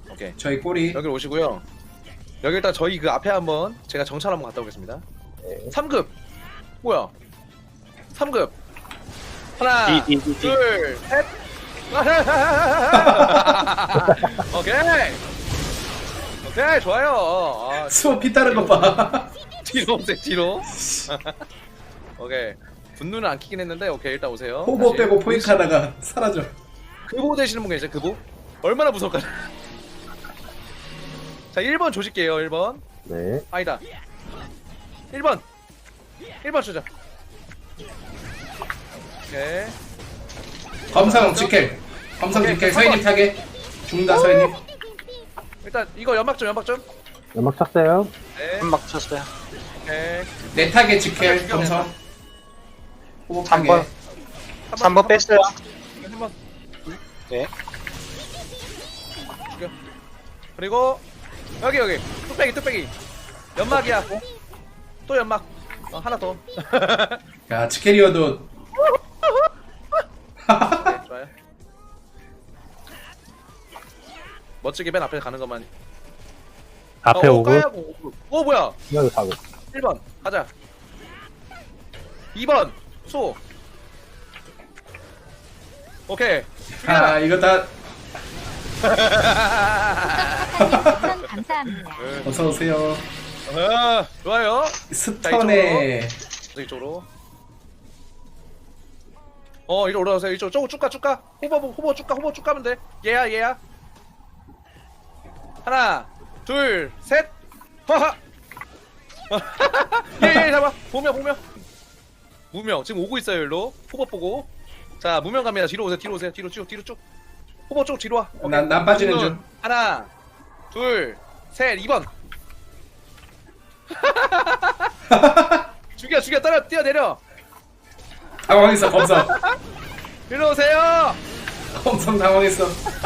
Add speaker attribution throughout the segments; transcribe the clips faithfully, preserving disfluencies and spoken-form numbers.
Speaker 1: 오케이.
Speaker 2: 저희 꼬리.
Speaker 1: 여기로 오시고요. 여기 일단 저희 그 앞에 한번 제가 정찰 한번 갔다 오겠습니다.
Speaker 3: 네.
Speaker 1: 삼 급. 뭐야? 삼 급. 하나,
Speaker 4: 디, 디, 디, 디.
Speaker 1: 둘, 셋. 오케이. 오케이, 좋아요. 아,
Speaker 2: 수호 피 따른 거 봐.
Speaker 1: 뒤로 오세요, 뒤로. 오케이. 분노는 안 키긴 했는데, 오케이, 일단 오세요.
Speaker 2: 호보
Speaker 1: 다시.
Speaker 2: 빼고 포획 하다가 사라져.
Speaker 1: 그보 되시는 분 계세요, 그보? 얼마나 무서울까요? 자, 일 번 조질게요, 일 번.
Speaker 3: 네.
Speaker 1: 아니다. 일 번. 일 번 주자. 오케이.
Speaker 2: 검성 직켈. 검성
Speaker 1: 오케이,
Speaker 2: 직켈.
Speaker 1: 삼 번.
Speaker 2: 서인님 타게. 죽는다 서인님.
Speaker 1: 일단 이거 연막 좀, 연막 좀.
Speaker 3: 연막 쳤어요.
Speaker 1: 네.
Speaker 4: 한막 쳤어요.
Speaker 1: 오케이.
Speaker 2: 내 타게 직켈.
Speaker 1: 죽여,
Speaker 2: 검성. 호보
Speaker 4: 삼
Speaker 2: 타게.
Speaker 4: 번. 삼 번 뺐어요.
Speaker 1: 한 번.
Speaker 4: 네.
Speaker 1: 죽여. 그리고 여기 여기 뚝배기 뚝배기. 연막이야. 또 연막. 어, 하나 더.
Speaker 2: 야 직켈이어도.
Speaker 1: 네, 좋아요. 멋지게 맨 앞에 가는 것만.
Speaker 3: 앞에
Speaker 1: 어,
Speaker 3: 오고.
Speaker 1: 까야고. 오 뭐야?
Speaker 3: 여기 사고.
Speaker 1: 일 번 가자. 이 번 소. 오케이.
Speaker 2: 아 이거 다
Speaker 5: 추천 감사합니다.
Speaker 2: 어서 오세요.
Speaker 1: 아, 좋아요.
Speaker 2: 스턴에
Speaker 1: 저 이쪽으로. 어, 이리 올라오세요. 이쪽 쭉 쭉 가, 쭉 가. 호버 호버 쭉 가, 호버 쭉 가면 돼. 얘야, 얘야. 하나, 둘, 셋. 하하. 얘, 얘 잡아. 보명, 보명. 무명 지금 오고 있어요, 일로. 호버 보고. 자, 무명 갑니다. 뒤로 오세요, 뒤로 오세요. 뒤로 쭉, 뒤로 쭉. 호버 쭉 뒤로 와. 오케이.
Speaker 2: 난, 난 빠지는
Speaker 1: 눈.
Speaker 2: 중.
Speaker 1: 하나, 둘, 셋, 이 번. 죽여, 죽여, 떨어, 뛰어 내려.
Speaker 2: 당황했어 검성.
Speaker 1: 일로 오세요.
Speaker 2: 검성 당황했어.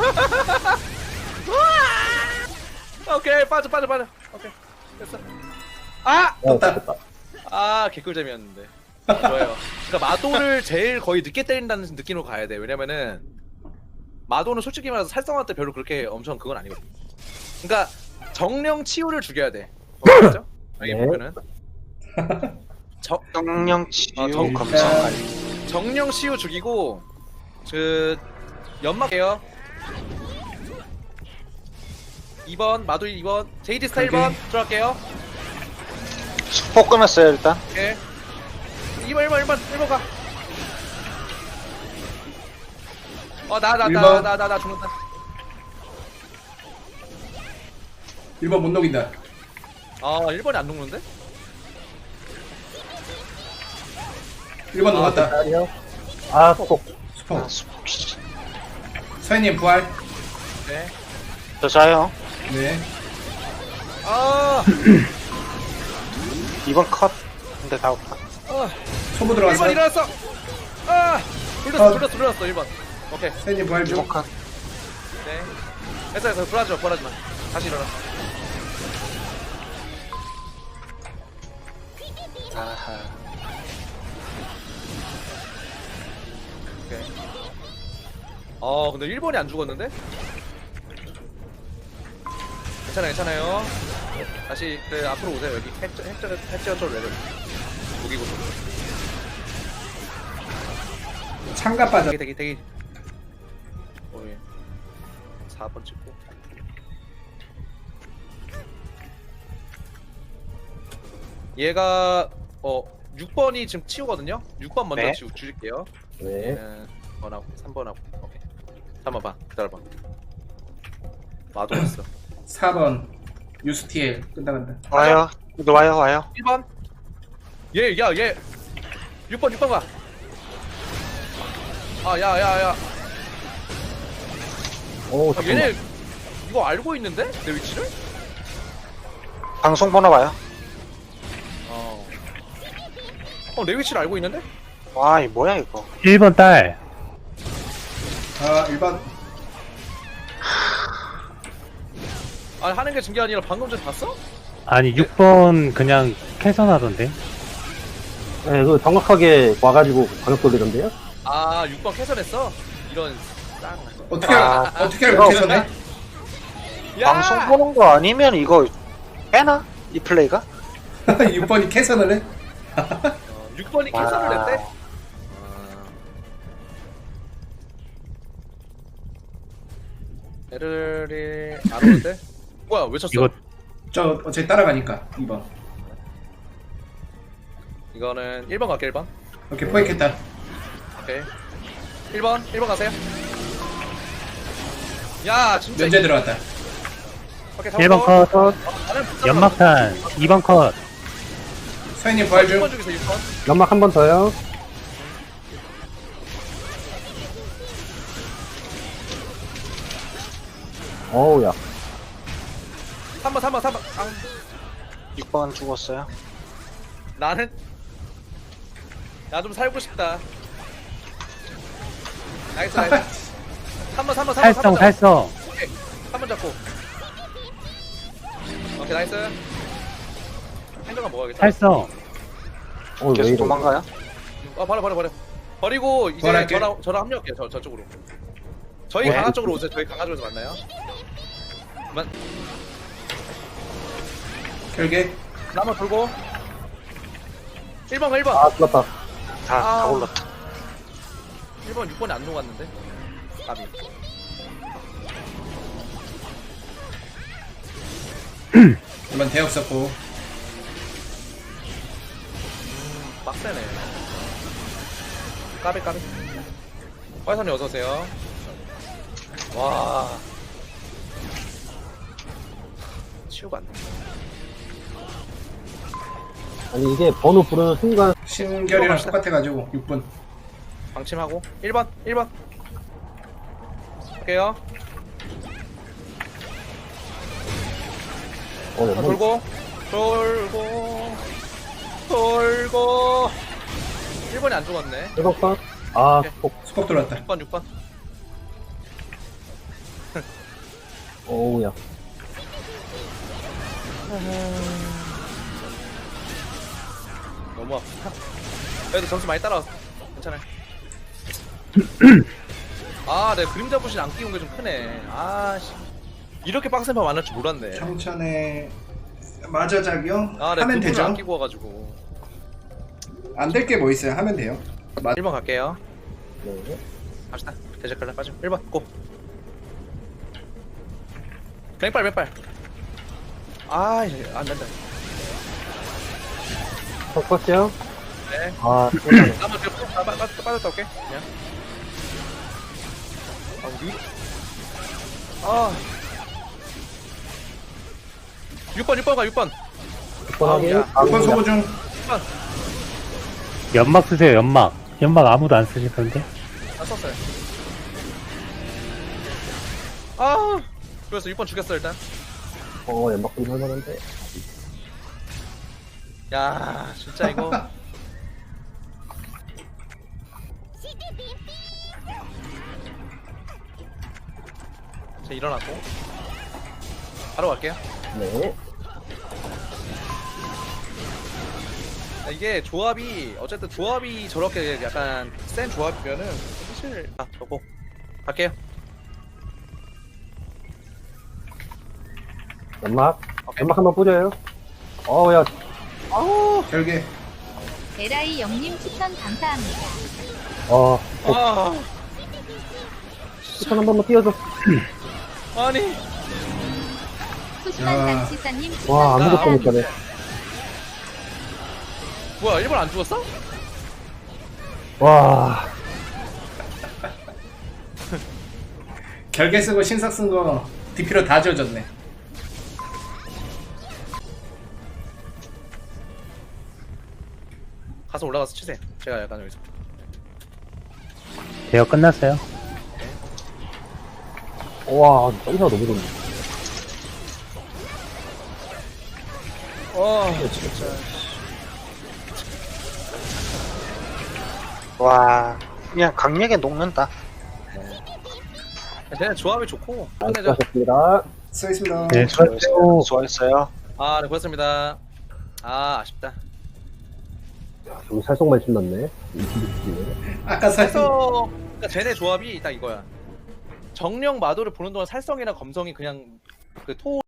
Speaker 1: 오케이, 빠져, 빠져, 빠져. 오케이, 됐어. 아,
Speaker 3: 어,
Speaker 2: 떴다.
Speaker 3: 됐다.
Speaker 1: 아, 개꿀잼이었는데. 좋아요. 그러니까 마도를 제일 거의 늦게 때린다는 느낌으로 가야 돼. 왜냐면은 마도는 솔직히 말해서 살성화 때 별로 그렇게 엄청 그건 아니거든. 그러니까 정령 치유를 죽여야 돼. 맞죠? 여기
Speaker 3: 네.
Speaker 1: 보면은 정
Speaker 4: 정령 치유
Speaker 1: 아, 정-
Speaker 4: 검성
Speaker 2: 아.
Speaker 4: 관리.
Speaker 1: 정령 치유 죽이고 그 연막해요. 이 번 마도 이 번 제이디 스타 일 번
Speaker 2: 오케이.
Speaker 1: 들어갈게요.
Speaker 4: 수포 끊었어요 일단.
Speaker 1: 오케이. 이 번 일 번 일 번 일 번 가. 어 나 나
Speaker 2: 일
Speaker 1: 나
Speaker 2: 번.
Speaker 1: 나 나 나 죽는다.
Speaker 2: 일 번 못 녹인다.
Speaker 1: 아 일 번이 안 녹는데?
Speaker 2: 일 번 녹았다.
Speaker 3: 딸이요. 아, 속.
Speaker 2: 수포.
Speaker 4: 아, 수포. 씨.
Speaker 2: 서인님 부활.
Speaker 1: 네.
Speaker 4: 저 자요.
Speaker 2: 네.
Speaker 1: 아,
Speaker 4: 이 번 컷. 근데 다 없다.
Speaker 1: 아
Speaker 2: 초보
Speaker 1: 일 번
Speaker 2: 들어갔어.
Speaker 1: 일어났어. 아, 불렀어
Speaker 2: 아.
Speaker 1: 불렀어 불렀어 일 번. 오케이.
Speaker 2: 서인님 부활
Speaker 4: 이 번
Speaker 2: 중.
Speaker 4: 컷.
Speaker 1: 네. 됐어 됐어 불하지 마 불하지 마. 다시 일어나.
Speaker 4: 아하.
Speaker 1: 오케이. 어 근데 일 번이 안 죽었는데? 괜찮아요 괜찮아요. 다시 그 앞으로 오세요 여기 핵저 핵저 핵저 쪽 레벨. 무기고 쪽.
Speaker 2: 창가 빠져.
Speaker 1: 대기 대기 대기. 오예. 사 번 찍고. 얘가 어 육 번이 지금 치우거든요. 육 번 먼저
Speaker 4: 네.
Speaker 1: 치우 줄일게요.
Speaker 3: 네.
Speaker 1: 네. 번하고 삼 번하고. 오케이. 삼 번 봐. 기다려 봐. 마도 왔어.
Speaker 2: 사 번 유스티엘 끝나간다.
Speaker 4: 와요. 이거 와요 와요.
Speaker 1: 일 번. 얘, 야, 얘. 육 번, 육 번 가. 아, 야, 야, 야.
Speaker 3: 오,
Speaker 1: 아,
Speaker 3: 잠깐만.
Speaker 1: 얘네 이거 알고 있는데? 내 위치를?
Speaker 4: 방송 번호 와요.
Speaker 1: 어. 어, 내 위치를 알고 있는데?
Speaker 4: 와, 이 뭐야 이거.
Speaker 3: 일 번 딸.
Speaker 2: 아 일 번.
Speaker 1: 아, 하는 게 중요한 게 아니라 방금 전에 봤어?
Speaker 3: 아니, 육 번 그냥 캐선하던데.
Speaker 6: 네, 그 정확하게 와가지고 방역 돌리던데요?
Speaker 1: 아, 육 번 캐선했어? 이런 쌍.
Speaker 2: 어떻게
Speaker 4: 아,
Speaker 2: 알- 어떻게 알고
Speaker 4: 이거-
Speaker 2: 캐서네?
Speaker 1: 야!
Speaker 4: 방송 보는 거 아니면 이거 빼나? 이 플레이가?
Speaker 2: 육 번이 캐선을 해?
Speaker 1: 어, 육 번이
Speaker 4: 와.
Speaker 1: 캐선을 냈대? 아. 에르리 안 오는데? 뭐야 왜 쳤어?
Speaker 3: 이거
Speaker 2: 저 어차피 따라가니까 이 번.
Speaker 1: 이거는 일 번 갈게 일 번.
Speaker 2: 오케이 포획했다.
Speaker 1: 오케이. 일 번 일 번 가세요. 야 진짜.
Speaker 2: 면제 들어갔다.
Speaker 1: 오케이,
Speaker 3: 일 번 컷,
Speaker 1: 어, 나는 못 잡아.
Speaker 3: 연막탄 이 번 컷,
Speaker 2: 서현님 부활
Speaker 1: 육
Speaker 2: 중.
Speaker 1: 번 중에서 육 번.
Speaker 6: 연막 한 번 더요. 어우, 야.
Speaker 1: 삼 번 삼 번 삼 번. 아,
Speaker 4: 육 번 죽었어요.
Speaker 1: 나는 나 좀 살고 싶다. 나이스 나이스. 삼 번 삼 번 삼 번
Speaker 3: 살성 살성.
Speaker 1: 오케이. 삼 번 잡고. 오케이 나이스. 행정가 먹어야겠다.
Speaker 3: 살성.
Speaker 6: 어, 왜
Speaker 4: 계속
Speaker 6: 이래.
Speaker 4: 도망가요?
Speaker 1: 아 버려 버려 버려. 버리고 이제
Speaker 2: 부활할게.
Speaker 1: 저랑 저랑 합류할게요. 저 저쪽으로. 저희
Speaker 3: 네.
Speaker 1: 강화 쪽으로 오세요. 저희 강화 쪽에서 만나요. 만
Speaker 2: 결계.
Speaker 1: 나만 돌고. 일 번 일 번.
Speaker 6: 아, 죽었다.
Speaker 4: 다,
Speaker 1: 아.
Speaker 4: 다 올랐다.
Speaker 1: 일 번 육 번이 안 녹았는데. 까비.
Speaker 2: 이번 대역 썼고.
Speaker 1: 빡세네. 까비 까비. 화이선님 어서 오세요. 와. 치우가 안 돼.
Speaker 6: 아니, 이게 번호 부르는 순간,
Speaker 2: 신결이랑 똑같아가지고 육 분.
Speaker 1: 방침하고 일 번 일 번. 할게요.
Speaker 6: 어,
Speaker 1: 자,
Speaker 6: 연막.
Speaker 1: 돌고 돌고 돌고. 일 번이 안 죽었네.
Speaker 6: 일 번 컷. 아,
Speaker 1: 오케이.
Speaker 6: 폭.
Speaker 2: 수폭 들어왔다.
Speaker 1: 육 번 육 번.
Speaker 6: 어우, 야.
Speaker 1: 너무 아프다. 그래도 점수 많이 따라왔어. 괜찮아요. 아, 내가 그림자 부신 안 끼운 게 좀 크네. 아, 씨. 이렇게 빡센 판 많을 줄 몰랐네.
Speaker 2: 청천에 마저 작용
Speaker 1: 아, 내가
Speaker 2: 하면
Speaker 1: 그림자 안
Speaker 2: 되죠.
Speaker 1: 끼고 와가지고.
Speaker 2: 안 될 게 뭐 있어요. 하면 돼요. 마...
Speaker 1: 일 번 갈게요.
Speaker 6: 네.
Speaker 1: 갑시다. 대적갈라 빠짐. 일 번 고. 맹빨 맹빨. 아, 이제 안 된다.
Speaker 6: 첫 컷이요?
Speaker 1: 네.
Speaker 6: 아,
Speaker 1: 나만 그 빠- 빠- 빠- 빠졌다 올게. 그냥. 아, 우리. 아. 육 번 육 번 가 육 번.
Speaker 6: 육 번 확인.
Speaker 1: 야.
Speaker 6: 아,
Speaker 2: 육 번 소고 중.
Speaker 1: 육 번.
Speaker 3: 연막 쓰세요 연막. 연막 아무도 안 쓰실 텐데.
Speaker 1: 다 썼어요. 아. 그래서 육 번 죽였어 일단.
Speaker 6: 어, 연막 좀 할만한데.
Speaker 1: 야, 진짜 이거. 자, 일어났고. 바로 갈게요.
Speaker 6: 네.
Speaker 1: 야, 이게 조합이 어쨌든 조합이 저렇게 약간 센 조합이면은 사실 아 저거 갈게요.
Speaker 6: 연막.
Speaker 1: 오케이.
Speaker 6: 연막 한번 뿌려요. 어우, 야.
Speaker 1: 아우.
Speaker 2: 결계.
Speaker 5: 에라이 영님 추천 감사합니다.
Speaker 6: 어,
Speaker 1: 아.
Speaker 6: 추천 한 번만 띄워줘.
Speaker 1: 아니.
Speaker 5: 소심한
Speaker 2: 야.
Speaker 5: 장치사님 추천
Speaker 6: 와, 아무것도
Speaker 1: 아,
Speaker 6: 못 가네.
Speaker 1: 뭐야 일본 안 죽었어?
Speaker 6: 와,
Speaker 2: 결계 쓰고 신삭 쓴 거 디피로 다 지워졌네.
Speaker 1: 가서 올라가서 치세요. 제가 약간 여기서.
Speaker 3: 대여 끝났어요.
Speaker 6: 와, 점수가 너무 좋네.
Speaker 1: 와.
Speaker 4: 와, 그냥 강력에 녹는다.
Speaker 1: 그냥 조합이 좋고.
Speaker 6: 아,
Speaker 1: 끝내죠.
Speaker 6: 수고하셨습니다.
Speaker 2: 수고했습니다.
Speaker 3: 네, 수고하세요.
Speaker 4: 수고했어요.
Speaker 1: 아, 네, 고맙습니다. 아, 아쉽다.
Speaker 6: 야, 좀 살속만 신났네. 이십육이네.
Speaker 2: 아까 사
Speaker 1: 그래서 그러니까 쟤네 조합이 딱 이거야. 정령 마도를 보는 동안 살성이나 검성이 그냥 그토